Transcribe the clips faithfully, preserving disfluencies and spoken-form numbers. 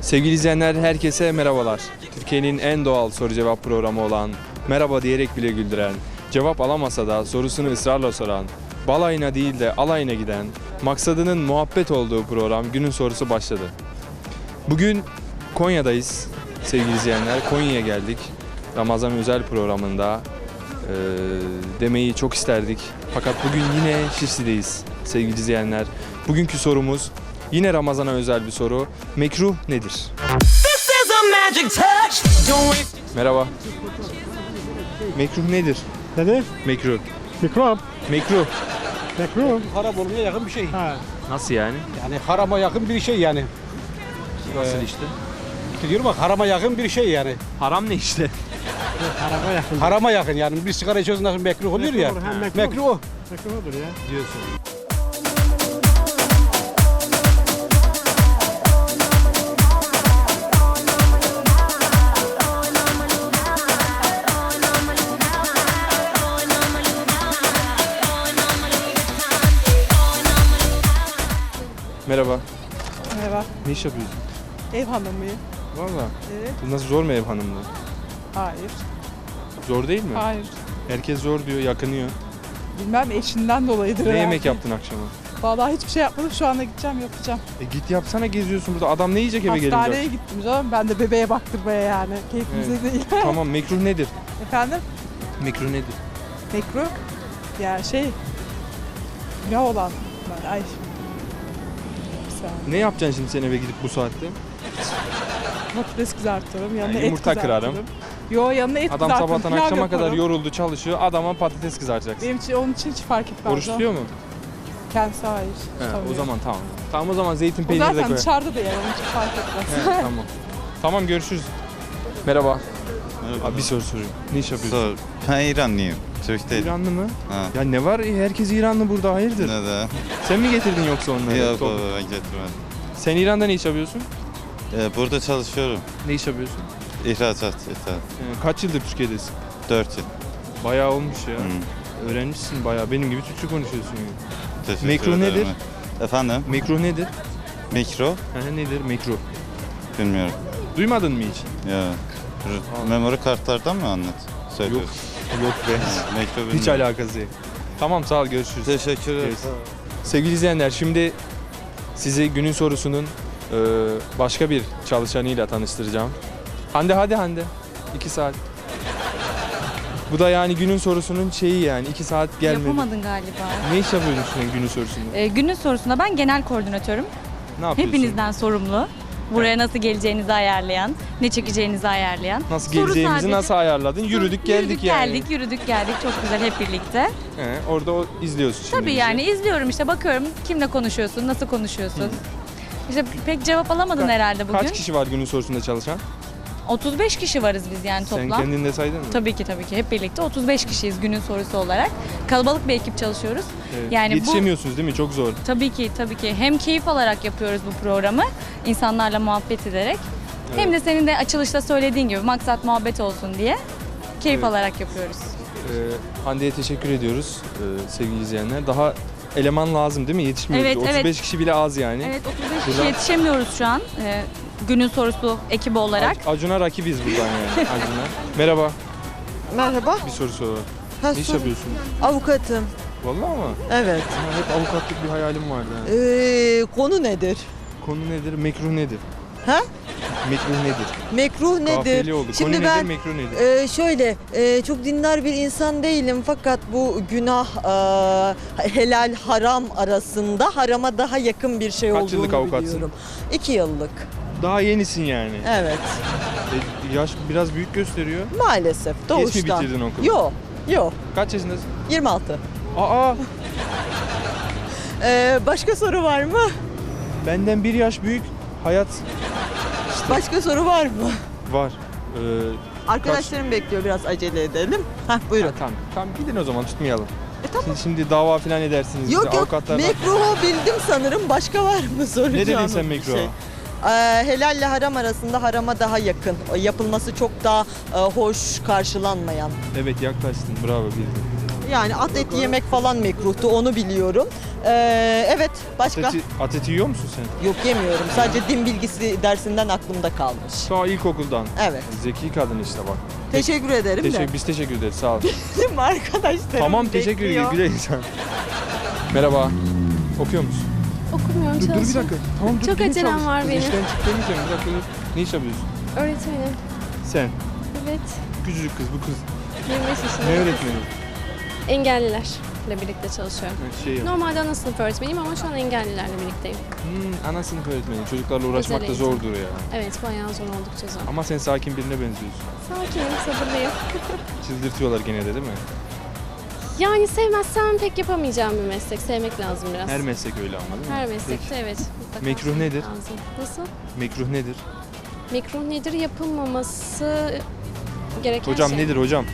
Sevgili izleyenler, herkese merhabalar. Türkiye'nin en doğal soru cevap programı olan, merhaba diyerek bile güldüren, cevap alamasa da sorusunu ısrarla soran, balayına değil de alayına giden, maksadının muhabbet olduğu program Günün Sorusu başladı. Bugün Konya'dayız sevgili izleyenler. Konya'ya geldik. Ramazan özel programında e, demeyi çok isterdik. Fakat bugün yine Şişli'deyiz sevgili izleyenler. Bugünkü sorumuz yine Ramazan'a özel bir soru. Mekruh nedir? Merhaba. Mekruh nedir? Nedir? Mekruh. Mikrop. Mekruh. Mikrop. Haram olmaya yakın bir şey. Ha. Nasıl yani? Yani harama yakın bir şey yani. Nasıl Ee, işte? İşte diyorum bak harama yakın bir şey yani. Haram ne işte? Araba yakın. Harama yakın yani. Bir sigara içiyorsun nasıl mekruh oluyor ya. Mekruh olur, hem mekruh. Mekruh o. Mekruh olur ya. Diyorsun. Merhaba. Merhaba, Ne iş yapıyorsun? ev hanımıyım. Valla. Evet. Bu nasıl, zor mu ev hanımlığı? Hayır, Zor değil mi? hayır. Herkes zor diyor, yakınıyor. Bilmem eşinden dolayıdır Ne herhalde. yemek yaptın akşama? Vallahi hiçbir şey yapmadım, şu anda gideceğim yapacağım. E git yapsana, geziyorsun burada. Adam ne yiyecek eve Hastaneye gelince? gittim canım, ben de bebeğe baktırmaya yani. Keyfimize değil. Tamam, mekruh nedir? Efendim, Mekruh nedir? mekruh. Ya şey, günah olan. Ben, ay. Bir saniye. Ne yapacaksın şimdi sen eve gidip bu saatte? Patates kızartırım, yanına Yani et yumurta kızartırım. kırarım. Yo, yanına et Adam kızartırım, sabahtan pilav akşama kadar yaparım. yoruldu, çalışıyor. Adama patates kızaracaksın. Benim için, onun için hiç fark etmez. Oruç o. tutuyor mu? Kendisi hayır. He, o tutamıyor. zaman tamam. Tamam, o zaman zeytin O peyniri de zaten koy. dışarıda da yer, onun için fark etmez. He, tamam. Tamam, görüşürüz. Merhaba. Merhaba. Abi bir soru sorayım. Ne iş yapıyorsun? Sor. Ben İranlıyım. Türk değilim. İranlı mı? Ha. Ya ne var? Herkes İranlı burada, hayırdır? Neden? Sen mi getirdin yoksa onları? Yok Top- baba ben getirmedim. Sen İran'da ne iş yapıyorsun? Ee, burada çalışıyorum. Ne iş yapıyorsun? İhracat, ithal. Ee, kaç yıldır Türkiye'desin? Dört yıl. Bayağı olmuş ya. Hı. Öğrenmişsin bayağı. Benim gibi Türkçe konuşuyorsun yani. Teşekkür Mekruh ederim. nedir? Efendim? Mekruh nedir? Mikro? Hı, nedir mekruh? Bilmiyorum. Duymadın mı hiç? Ya. Allah. Memori kartlardan mı anlat? Yok. Söylüyorsun. Yok be. Mikro bilmiyorum. Hiç alakası yok. Tamam, sağ ol, görüşürüz. Teşekkür ederim. Evet. Sevgili izleyenler, şimdi sizi günün sorusunun e, başka bir çalışanıyla tanıştıracağım. Hande, hadi Hande. iki saat. Bu da yani günün sorusunun şeyi yani iki saat gelmedi. Yapamadın galiba. Ne iş yapıyorsun sen günün sorusunda? Ee, günün sorusunda ben genel koordinatörüm. Ne yapıyorsun? Hepinizden sorumlu. Buraya nasıl geleceğinizi ayarlayan, ne çekeceğinizi ayarlayan. Nasıl Soru geleceğimizi sadece- nasıl ayarladın? Yürüdük geldik yürüdük, yani. geldik, yürüdük geldik. Çok güzel hep birlikte. He, orada o, izliyorsun şimdi. Tabii bizi. yani izliyorum işte bakıyorum kimle konuşuyorsun, nasıl konuşuyorsun. İşte pek cevap alamadın Ka- herhalde bugün. Kaç kişi var günün sorusunda çalışan? otuz beş kişi varız biz yani Sen toplam. kendin de saydın mı? Tabii ki tabii ki hep birlikte otuz beş kişiyiz günün sorusu olarak. Kalabalık bir ekip çalışıyoruz. Evet. Yani bu Yetişemiyorsunuz değil mi? Çok zor. Tabii ki tabii ki hem keyif alarak yapıyoruz bu programı insanlarla muhabbet ederek hem de senin de açılışta söylediğin gibi maksat muhabbet olsun diye keyif Evet. alarak yapıyoruz. Ee, Hande'ye teşekkür ediyoruz ee, sevgili izleyenler. Daha eleman lazım değil mi? Yetişmiyoruz. Evet, otuz beş evet. kişi bile az yani. Evet otuz beş Buradan- kişi yetişemiyoruz şu an e, günün sorusu ekibi olarak. Ac- Acun'a rakibiz buradan yani. Acun'a. Merhaba. Merhaba. Bir soru sor. Ha, Ne iş sor- yapıyorsun? Avukatım. Vallahi ama. Evet. Ha, hep avukatlık bir hayalim vardı. ha. Ee, konu nedir? Konu nedir? Mekruh nedir? Ha? Mekruh nedir? Mekruh nedir? Kafiyeli oldu. Şimdi Konu ben nedir? Mekruh nedir? e, şöyle e, çok dindar bir insan değilim fakat bu günah e, helal haram arasında harama daha yakın bir şey Kaç olduğunu yıllık avukatsın? biliyorum. İki yıllık. Daha yenisin yani. Evet. E, yaş biraz büyük gösteriyor. Maalesef doğuştan. Geç mi bitirdin okulu? Yok. Yok. Kaç yaşındasın? yirmi altı. Aa! Ee, başka soru var mı? Benden bir yaş büyük. Hayat Başka soru var mı? var. Ee, Arkadaşlarım bekliyor, biraz acele edelim. Hah, buyurun. Ha, tamam. Tamam, gidin o zaman, tutmayalım. E, tamam. Siz şimdi dava falan edersiniz. Yok bize, yok, avukatlarla- mekruhu bildim sanırım. Başka var mı soracağım? Ne dedin sen mekruha? Şey. Ee, helalle haram arasında harama daha yakın. Yapılması çok daha e, hoş karşılanmayan. Evet, yaklaştın. Bravo, bildin. Yani at eti yemek falan mekruhtu, onu biliyorum. Ee, evet, başka? Ateti, ateti yiyor musun sen? Yok, yemiyorum. Sadece din bilgisi dersinden aklımda kalmış. Ta ilkokuldan. Evet. Zeki kadın işte bak. Teşekkür ederim Teşekkür, de. biz teşekkür ederiz sağ ol. Bizim arkadaşlarım Tamam teşekkür bekliyor. ederim. Güle insan. Merhaba. Okuyor musun? Okumuyorum, Dur, dur bir çalışıyorum. dakika. Tamam dur. Çok gidin acelem çalış. var Kız benim. İşten çık demeyeceğim. Bir dakika dur. Ne iş yapıyorsun? Öğretmenim. Sen. Evet. Küçücük kız bu kız. yirmi beş yaşındayım. Ne öğretmeni? Engellilerle birlikte çalışıyorum. Ha, Şey yap. Normalde ana sınıf öğretmeniyim ama şu an engellilerle birlikteyim. Hmm, ana sınıf öğretmeni. Çocuklarla uğraşmak da Özel eğitim. zordur ya. Evet, bayağı zor, oldukça zor. Ama sen sakin birine benziyorsun. Sakinim, sabırlıyım. Çıldırtıyorlar gene de değil mi? Yani sevmezsem pek yapamayacağım bir meslek. Sevmek lazım biraz. Her meslek öyle ama değil mi? Her meslekte Peki. evet. mutlaka Mekruh sevmek nedir? Lazım. Nasıl? Mekruh nedir? Mekruh nedir? Yapılmaması gereken Hocam şey. nedir hocam?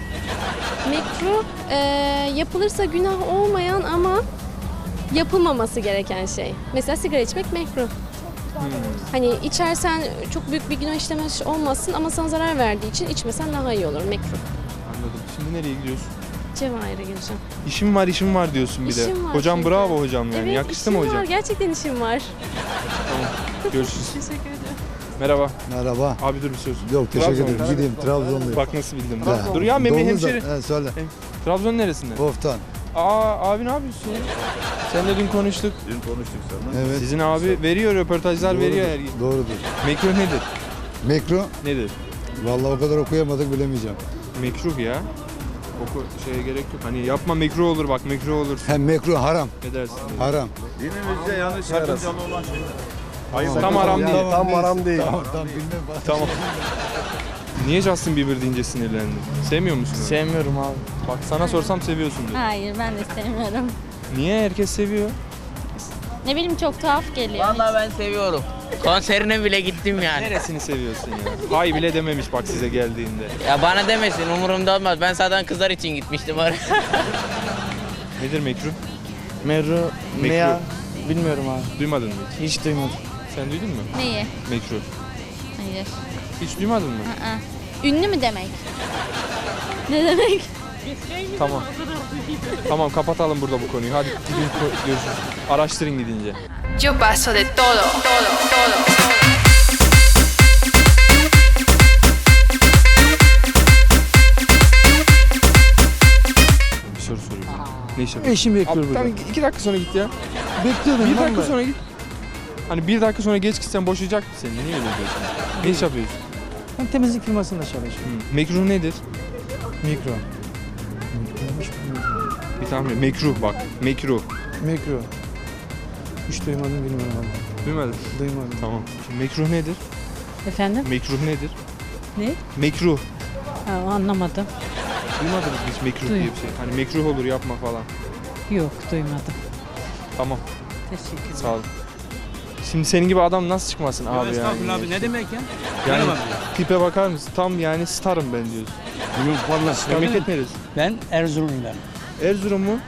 Mekruh e, yapılırsa günah olmayan ama yapılmaması gereken şey. Mesela sigara içmek mekruh. Hmm. Hani içersen çok büyük bir günah işlemiş olmasın ama sana zarar verdiği için içmesen daha iyi olur. Mekruh. Anladım. Şimdi nereye gidiyorsun? Cevahir'e gireceğim. İşim var işim var diyorsun bir de. İşim var Hocam çünkü. bravo hocam yani. Evet, Yakıştı işim mı hocam? var. Gerçekten işim var. Tamam. Görüşürüz. Teşekkür ederim. Merhaba. Merhaba. Abi dur bir söz. Yok teşekkür Trabzon. ederim. Gideyim Trabzonluyum. Bak nasıl bildim. Ha, Dur ya Memi Doğumuz da- hemşeri. He, söyle. Trabzon neresinde? Oftan. Aa abi ne yapıyorsun? Sen de dün konuştuk. Dün konuştuk seninle. Evet. Sizin abi veriyor röportajlar veriyor her gün. Doğrudur. Mekruh nedir? Mekruh. Nedir? Vallahi o kadar okuyamadık bilemeyeceğim. Mekruh ya. Oku şeye gerek yok. Hani yapma mekruh olur bak mekruh olur. Hem mekruh haram. Ne dersin? Haram. Dinimizde yanlış sakıncalı olan şeyler. Hayır. Tam haram değil. Tam haram değil. Tamam tamam bilmem. Tamam. Niye Justin Bieber deyince sinirlendin? Sevmiyor musun onu? Sevmiyorum abi. Bak sana sorsam seviyorsundur. Hayır ben de sevmiyorum. Niye herkes seviyor? Ne bileyim çok tuhaf geliyor. Vallahi ben seviyorum. Konserine bile gittim yani. Neresini seviyorsun ya? Hay bile dememiş bak size geldiğinde. Ya bana demesin umurumda olmaz. Ben zaten kızlar için gitmiştim oraya. Nedir mekruh? Meru ne ya? Bilmiyorum abi. Duymadın mı hiç? Hiç duymadım. Sen duydun mu? Neyi? Mekruh. Hayır. Hiç duymadın mı? Aa. Ünlü mü demek? Ne demek? Tamam. Tamam kapatalım burada bu konuyu. Hadi gidin ko- görüşürüz. Araştırın gidince. Yo paso de todo, todo, todo. Bir soru sorayım. Ne iş yapıyorsun? Eşim bekliyor Abi, burada. tamam iki dakika sonra git ya. Bekliyordum Bir lan dakika ben. sonra git. Hani bir dakika sonra geç gitsen boşayacak mı seni? Niye öyle diyorsun? Ne iş yapıyorsun? Ben temizlik firmasında çalışıyorum. Hı. Mekruh nedir? Mikro. Bir tahmin. Mekruh bak. Mekruh. Mikro. Hiç duymadım bilmiyorum abi. Duymadın. Duymadım. Tamam. Şimdi mekruh nedir? Efendim? Mekruh nedir? Ne? Mekruh. Ha, anlamadım. Duymadınız mı hiç mekruh Duy- diye bir şey? Hani mekruh olur yapma falan. Yok, duymadım. Tamam. Teşekkür ederim. Sağ olun. Şimdi senin gibi adam nasıl çıkmasın abi yani? Estağfurullah abi ne demek ya? Yani Merhaba. tipe bakar mısın? Tam yani starım ben diyorsun. Yok vallahi. Memleket neresi? Ben Erzurumluyum ben. Erzurum mu?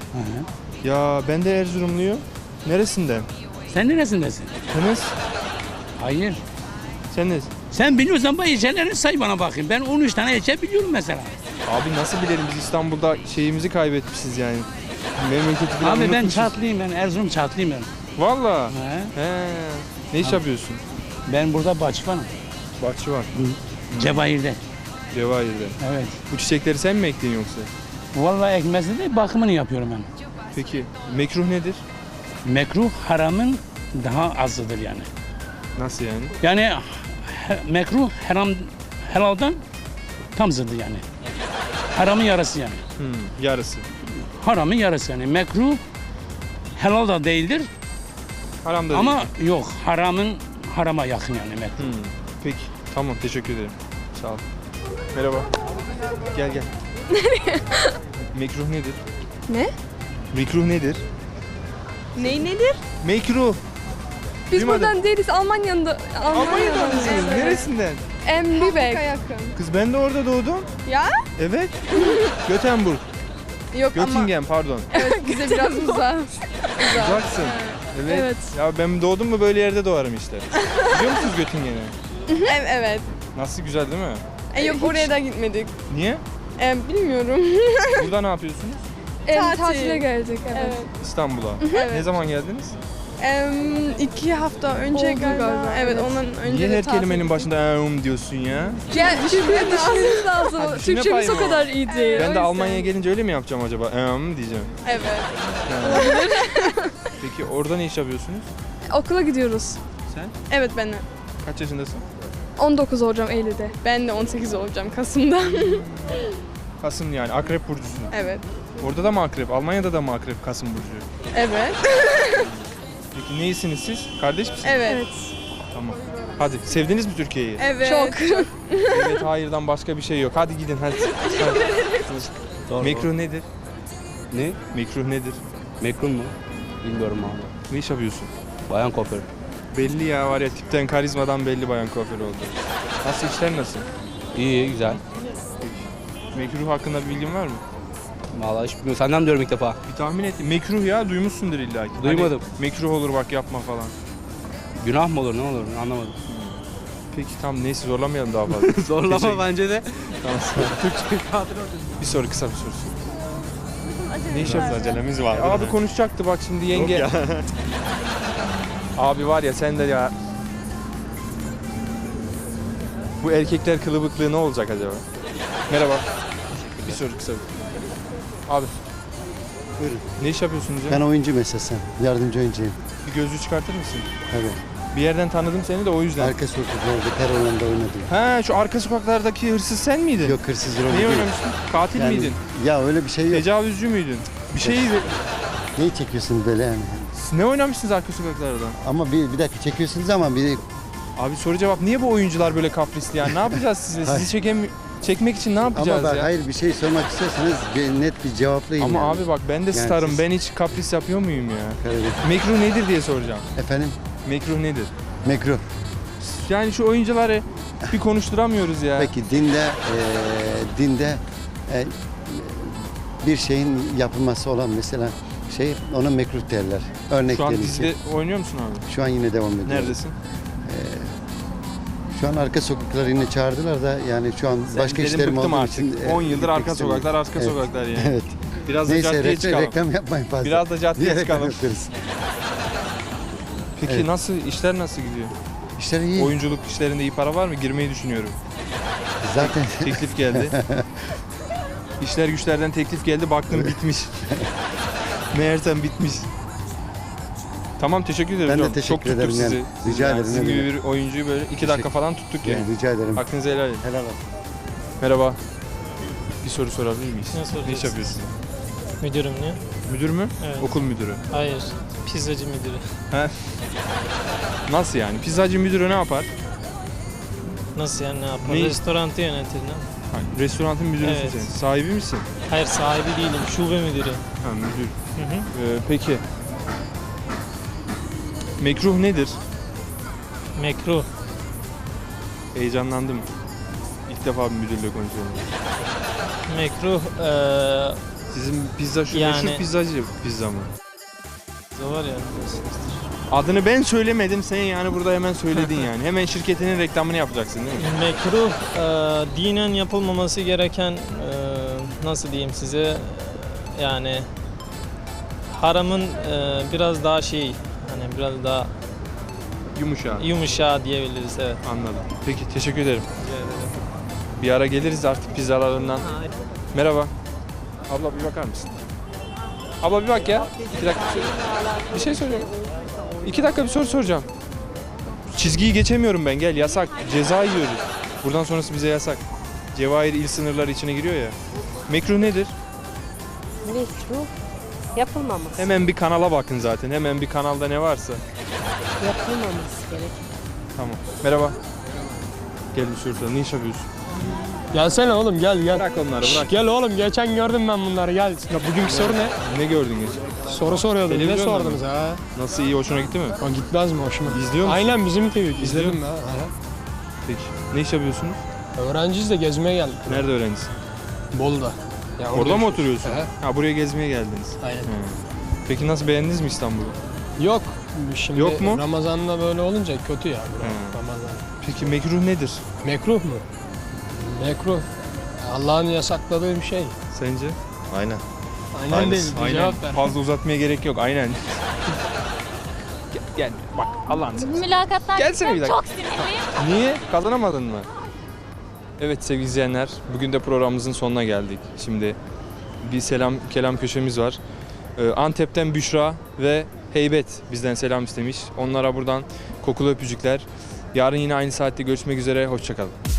Ya ben de Erzurumluyum. Neresinden? Sen neresindesin? Enes? Hayır. Sen nesin? Sen biliyorsan bu ilçeleri say bana bakayım. Ben on üç tane ilçe biliyorum mesela. Abi nasıl bilelim biz İstanbul'da şeyimizi kaybetmişiz yani. Memleketi falan Abi ben unutmuşuz. Çatlıyım ben. Erzurum Çatlıyım ben. Valla. He. He. Ne iş yapıyorsun? Ben burada bahçıvanım. Bahçıvan. Cevahir'de. Cevahir'de. Evet. Bu çiçekleri sen mi ektin yoksa? Vallahi ekmezde de bakımını yapıyorum ben. Peki mekruh nedir? Mekruh haramın daha azıdır yani. Nasıl yani? Yani he- mekruh haram helaldan tam zıddı yani. Haramın yarısı yani. Hmm, yarısı. Haramın yarısı yani. Mekruh helal da değildir Haram da ama değil. yok haramın harama yakın yani mekruh. Hmm, peki. Tamam teşekkür ederim. Sağ ol. Merhaba. Gel gel. Nereye? Mekruh nedir? Ne? Mekruh nedir? Ney nedir? Mekruh. Biz Duymadım. buradan değiliz. Almanya'da. Almanya'dan mısınız? Neresinden? En Lübeck. Kız ben de orada doğdum. Ya? Evet. Göteborg. Yok ama Göttingen pardon. evet, bize biraz uzak. Uzaksın. Evet. Evet. Ya ben doğdum mu böyle yerde doğarım işte. Biliyor musunuz Göttingen'i? Evet. evet. Nasıl güzel değil mi? E, yok oraya da gitmedik. Niye? E, bilmiyorum. Burada ne yapıyorsunuz? Tatil. Tatile gelecek evet. Evet. İstanbul'a. Evet. Ne zaman geldiniz? Em, iki hafta önce Oldu galiba. galiba, Evet, evet. ondan önce Niye de her tatil kelimenin gittik. başında eum diyorsun ya? Ya, Düşünmemiz düşünmemiz lazım. Ha, düşünme Türkçemiz payı o mı kadar o? iyi değil. Ben O de yüzden. Almanya'ya gelince öyle mi yapacağım acaba? Eum diyeceğim. Evet. Ha. Peki orada ne iş yapıyorsunuz? Okula gidiyoruz. Sen? Evet, ben de. Kaç yaşındasın? on dokuz olacağım Eylül'de. Ben de on sekiz olacağım Kasım'da. Kasım yani akrep burcusun. Evet. Orada da mı akrep? Almanya'da da mı akrep Kasım burcu? Evet. Peki neysiniz siz? Kardeş misiniz? Evet. Tamam. Hadi sevdiniz mi Türkiye'yi? Evet. Çok. Evet hayırdan başka bir şey yok. Hadi gidin hadi. hadi. Mekruh nedir? Ne? Mekruh nedir? Mekruh mu? Bilmiyorum abi. Ne iş yapıyorsun? Bayan kuaför. Belli ya var ya tipten karizmadan belli bayan kuaför oldu. Nasıl işler nasıl? İyi, güzel. Mekruh hakkında bir bilgin var mı? Vallahi hiç bilmiyorum. Senden diyorum ilk defa. Bir tahmin et. Mekruh ya duymuşsundur illa ki. Duymadım. Hani mekruh olur bak yapma falan. Günah mı olur, ne olur anlamadım. Peki tamam neyse zorlamayalım daha fazla. Zorlama Teşekkür- bence de. Tamam. Bir soru kısa bir soru. Ne iş yapıyorsun? Acelemiz var. Abi konuşacaktı bak şimdi yenge. Abi var ya sen de ya. Bu erkekler kılıbıklığı ne olacak acaba? Merhaba. Bir soru kısa. Abi. Buyurun. Ne iş yapıyorsunuz ya? Ben oyuncu meslesem. Yardımcı oyuncuyum. Bir gözlüğü çıkartır mısın? Evet. Bir yerden tanıdım seni de o yüzden. Arka sokaklarda, Perolan'da oynadım. He şu arka sokaklardaki hırsız sen miydin? Yok hırsız rol Neyi değil. oynamıştın? Katil Yani- miydin? Ya öyle bir şey yok. Tecavüzcü müydün? Bir şey Neyi çekiyorsunuz böyle yani? ne oynamışsınız arka sokaklarda? Ama bir, bir dakika çekiyorsunuz ama bir Abi soru cevap niye bu oyuncular böyle kaprisli yani? Ne yapacağız size? Hayır. Sizi çekem çekmek için ne yapacağız ama bak ya? hayır bir şey sormak isterseniz bir net bir cevaplayın. Ama yani. abi bak ben de Yani starım. siz- Ben hiç kapris yapıyor muyum ya? Evet. Mekruh nedir diye soracağım. Efendim? Mekruh nedir? Mekruh. Yani şu oyuncuları bir konuşturamıyoruz ya. Peki dinde eee, dinde eee, bir şeyin yapılması olan mesela şey ona mekruh derler. Örnek Şu an verirsin. dizide oynuyor musun abi? Şu an yine devam ediyor. Neredesin? Şu an arka sokaklar yine çağırdılar da yani şu an Sen başka dedim, işlerim bıktım olduğu artık. için. e, on yıldır gitmek arka istemiyorum. sokaklar, arka Evet. sokaklar yani. Evet. Biraz da Neyse caddeye reklam, çıkalım. reklam yapmayın fazla. Biraz da caddeye Niye reklam çıkalım. yapıyoruz? Peki Evet. nasıl işler nasıl gidiyor? İşler iyi. Oyunculuk işlerinde iyi para var mı? Girmeyi düşünüyorum. Zaten Teklif geldi. İşler güçlerden teklif geldi. Baktım bitmiş. Meğersem bitmiş. Tamam teşekkür ederim. Ben de hocam. teşekkür Çok tuttuk ederim sizi. yani. Rica Yani ederim, Sizin ne gibi demek. bir oyuncuyu böyle iki dakika falan tuttuk yani. rica ederim. Hakkınızı helal edin. Helal olsun. Merhaba. Bir soru sorabilir miyiz? Ne Ne iş soracaksın? yapıyorsun? Müdürüm ne? Müdür mü? Evet. Okul müdürü. Hayır. Pizzacı müdürü. He. Nasıl yani? Pizzacı müdürü ne yapar? Nasıl yani ne yapar? Ne? Restorantı yönetir ne? Hayır, restoranın müdürüsün Evet. sen. Sahibi misin? Hayır sahibi değilim. Şube müdürü. Ha müdür. Hı hı. Ee, peki. Mekruh nedir? Mekruh. Heyecanlandım. İlk defa bir müdürle konuşuyorum. Mekruh eee Sizin pizza şu Yani- meşhur pizzacı pizza mı? var ya. biliyorsunuzdur. Adını ben söylemedim sen yani burada hemen söyledin yani. Hemen şirketinin reklamını yapacaksın değil mi? Mekruh eee, dinen yapılmaması gereken eee, nasıl diyeyim size yani haramın eee, biraz daha şey hani biraz daha Yumuşak. yumuşağı diyebiliriz evet. Anladım. Peki teşekkür ederim. Rica ederim. Bir ara geliriz artık pizzalarından. Merhaba. Abla bir bakar mısın? Abla bir bak ya. Bir dakika. bir şey- Bir şey soracağım. İki dakika bir soru soracağım. Çizgiyi geçemiyorum ben gel yasak. Ceza yiyoruz. Buradan sonrası bize yasak. Cevahir il sınırları içine giriyor ya. Mekruh nedir? Mekruh yapılmaması. Hemen bir kanala bakın zaten. Hemen bir kanalda ne varsa. Yapılmaması gerek. Tamam. Merhaba. Gel bir soru soralım. Ne iş yapıyorsun? Gelsene oğlum gel gel. Bırak onları Şş, bırak. gel oğlum geçen gördüm ben bunları gel. Ya bugünkü soru ne? Ne gördün geçen? Soru soruyordum. Ne Televizyonda sordunuz mı? ha? Nasıl iyi hoşuna gitti mi? O gitmez mi hoşuma? İzliyor musun? Aynen bizim T V. İzliyor İzledim musun? ha. Aha. Peki. Ne iş yapıyorsunuz? Öğrenciyiz de gezmeye geldik. Nerede öğrencisin? Bolu'da. Ya Orada mı yaşıyoruz. oturuyorsun? Aha. Ha buraya gezmeye geldiniz. Aynen. He. Peki nasıl beğendiniz mi İstanbul'u? Yok. Şimdi Yok mu? Ramazan'da böyle olunca kötü ya. bura, He. Ramazan. Peki mekruh nedir? Mekruh mu? Mekruh. Allah'ın yasakladığı bir şey. Sence? Aynen. Aynen değil. Aynen. Cevap ver. Fazla uzatmaya gerek yok. Aynen. gel, gel bak Allah'ını seversen. Mülakatlar Gelsene bir dakika. çok sinirliyim. Niye? Kazanamadın mı? Evet sevgili izleyenler, bugün de programımızın sonuna geldik. Şimdi bir selam kelam köşemiz var. Ee, Antep'ten Büşra ve Heybet bizden selam istemiş. Onlara buradan kokulu öpücükler. Yarın yine aynı saatte görüşmek üzere. Hoşça kalın.